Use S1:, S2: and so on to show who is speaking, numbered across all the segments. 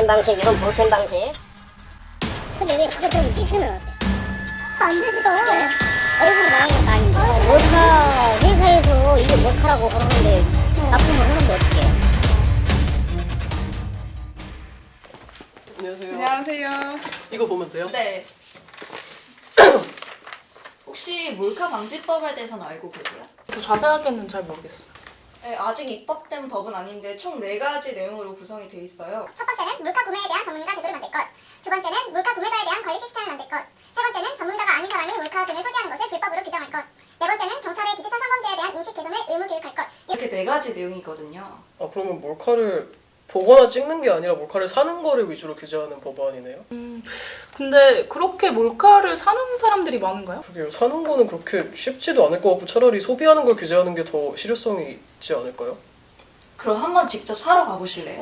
S1: 볼펜 방식, 이건 볼펜 방식.
S2: 근데 왜 그거 좀 찍히면 어때? 안 되지도. 얼굴이 나오는 것도 아닌데. 몰카 회사에서 이게 몰카라고 그러는데 납품을 하는데 어떻게?
S3: 안녕하세요.
S4: 안녕하세요.
S3: 이거 보면 돼요?
S4: 네. 혹시 몰카 방지법에 대해서는 알고 계세요?
S5: 더 자세하게는 잘 모르겠어요.
S4: 네, 아직 입법된 법은 아닌데 총 4가지 내용으로 구성이 돼 있어요.
S6: 첫 번째는 물가 구매에 대한 전문가 제도를 만들 것. 두 번째는 물가 구매자에 대한 관리 시스템을 만들 것. 세 번째는 전문가가 아닌 사람이 몰카 등을 소지하는 것을 불법으로 규정할 것. 네 번째는 경찰의 디지털 성범죄에 대한 인식 개선을 의무 교육할 것.
S4: 이렇게 4가지 내용이거든요.
S3: 아 그러면 몰카를 보거나 찍는 게 아니라 몰카를 사는 거를 위주로 규제하는 법안이네요?
S5: 근데 그렇게 몰카를 사는 사람들이 많은가요?
S3: 그게요. 사는 거는 그렇게 쉽지도 않을 것 같고 차라리 소비하는 걸 규제하는 게 더 실효성이 있지 않을까요?
S4: 그럼 한번 직접 사러 가보실래요?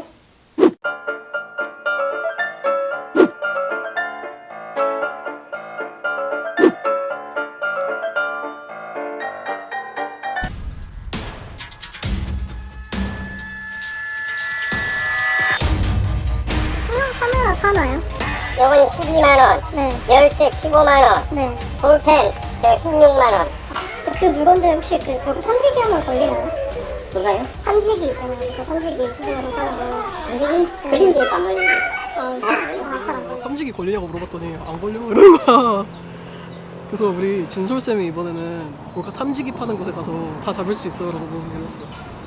S2: 카메라 파나요?
S1: 요건 12만원,
S2: 네.
S1: 열쇠 15만원,
S2: 네.
S1: 볼펜 저 16만원.
S2: 그 물건들 혹시 그 탐지기 하면 걸리나요?
S1: 뭔가요?
S2: 탐지기 있잖아요. 그 탐지기 수정하는 사람들.
S1: 탐지기? 걸린 게 안 걸린 게.
S2: 잘안 걸려.
S3: 탐지기 걸리냐고 물어봤더니 안 걸려 이러는 거야. 그래서 우리 진솔쌤이 이번에는 몰카 탐지기 파는 곳에 가서 다 잡을 수 있어 라고 얘기했어.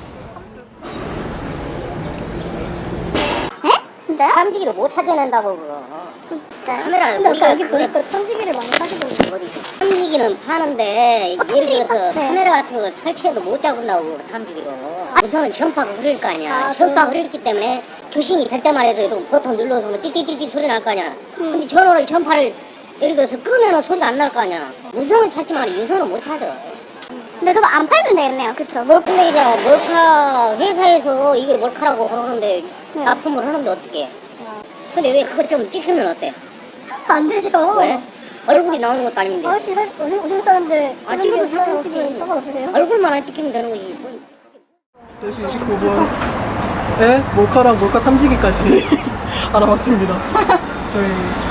S2: 진짜요?
S1: 탐지기를 못 찾아낸다고 그거.
S2: 진짜요?
S1: 카메라
S2: 근데
S1: 우리가
S2: 여기 보니까 탐지기를 많이 사시던데.
S1: 어디 탐지기는 파는데 예를
S2: 탐지기
S1: 들어서
S2: 네.
S1: 카메라 같은 거 설치해도 못 잡은다고 탐지기로. 우선은 전파가 흐릴 거 아니야.
S2: 아,
S1: 전파가 흐르기 때문에 교신이 될 때만 해도 버튼 눌러서 뭐 띠띠띠띠 소리 날 거 아니야. 근데 전원을 전파를 예를 들어서 끄면은 소리가 안 날 거 아니야. 무선은 찾지만 유선은 못 찾아.
S2: 근데 그거 안 팔면 되겠네요. 그쵸?
S1: 근데 이제 몰카 회사에서 이게 몰카라고 그러는데
S2: 네.
S1: 납품을 하는데 어떻게? 근데 왜 그거 좀 찍히면 어때?
S2: 안 되지도.
S1: 왜? 얼굴이 나오는 것도 아닌데.
S2: 아저씨 오줌 싸는데
S1: 아, 찍어도 상관없지.
S2: 상관없으세요?
S1: 얼굴만 안 찍히면 되는 거지. 뭐.
S3: 4시 29분에 몰카랑 몰카 탐지기까지 알아봤습니다. 저희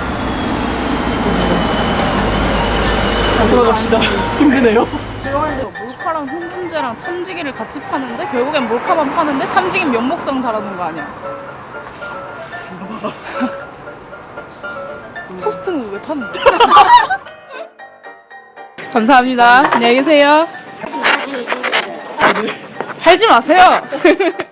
S3: 이제 돌아갑시다. 힘드네요.
S5: 죄송한데 몰카랑 흥분제랑 탐지기를 같이 파는데 결국엔 몰카만 파는데 탐지기는 면목상 달아놓은 거 아니야? 토스트는 왜 파는데? 감사합니다. 안녕히 계세요. 팔지 마세요.